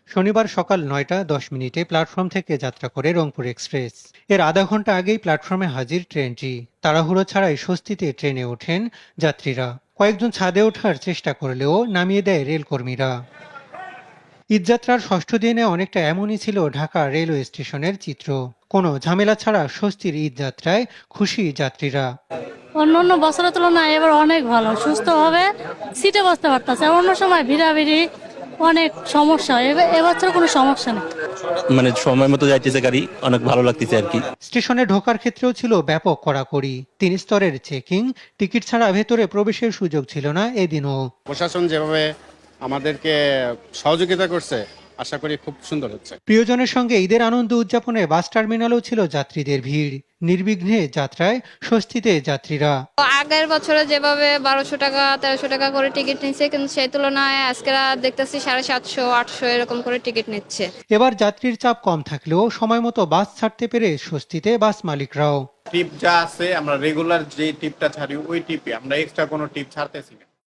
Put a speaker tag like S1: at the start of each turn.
S1: শনিবার সকাল ৯টা ১০ মিনিটে প্ল্যাটফর্ম থেকে যাত্রা করে রংপুর এক্সপ্রেস। এর আধা ঘন্টা আগেই প্ল্যাটফর্মে হাজির ট্রেনটি। তাড়াহুড়ো ছাড়াই স্বস্তিতে ট্রেনে ওঠেন যাত্রীরা। কয়েকজন ছাদে ওঠার চেষ্টা করলেও নামিয়ে দেয় রেলকর্মীরা। ঈদযাত্রার ষষ্ঠ দিনে অনেকটা এমনই ছিল ঢাকা রেলওয়ে স্টেশনের চিত্র। কোনো ঝামেলা ছাড়া স্বস্তির ঈদযাত্রায় খুশি যাত্রীরা।
S2: অন্য বছরের তুলনায় এবার অনেক ভালো, সুস্থভাবে সিটে বসতে পারতেছে। অন্য সময় ভিড়াভিড়ি অনেক সমস্যা, এবছর কোনো সমস্যা নেই।
S3: মানে সময় মতো যাইতেছে গাড়ি, অনেক ভালো লাগতেছে আর কি।
S1: স্টেশনে ঢোকার ক্ষেত্রেও ছিল ব্যাপক কড়াকড়ি। ৩ স্তরের চেকিং, টিকিট ছাড়া ভেতরে প্রবেশের সুযোগ ছিল না এদিনও।
S4: প্রশাসন যেভাবে আমাদেরকে সহযোগিতা করছে, আশা করি খুব সুন্দর হচ্ছে।
S1: প্রিয়জনের সঙ্গে ঈদের আনন্দ উদযাপনে বাস টার্মিনালেও ছিল যাত্রীদের ভিড়। নির্বিঘ্নে যাত্রায় স্বস্তিতে যাত্রীরা।
S5: আগের বছরে যেভাবে 1200 টাকা 1300 টাকা করে টিকিট নিচ্ছে, কিন্তু সেই তুলনায় আজকে দেখতেছি 750-800 এরকম করে টিকিট নিচ্ছে।
S1: এবার যাত্রীর চাপ কম থাকলেও সময় মতো বাস ছাড়তে পেরে স্বস্তিতে বাস মালিকরাও।
S4: টিপ যা আছে, আমরা রেগুলার যে টিপটা ছাড়ি ওই টিপে, আমরা এক্সট্রা কোনো টিপ ছাড়তেছি না।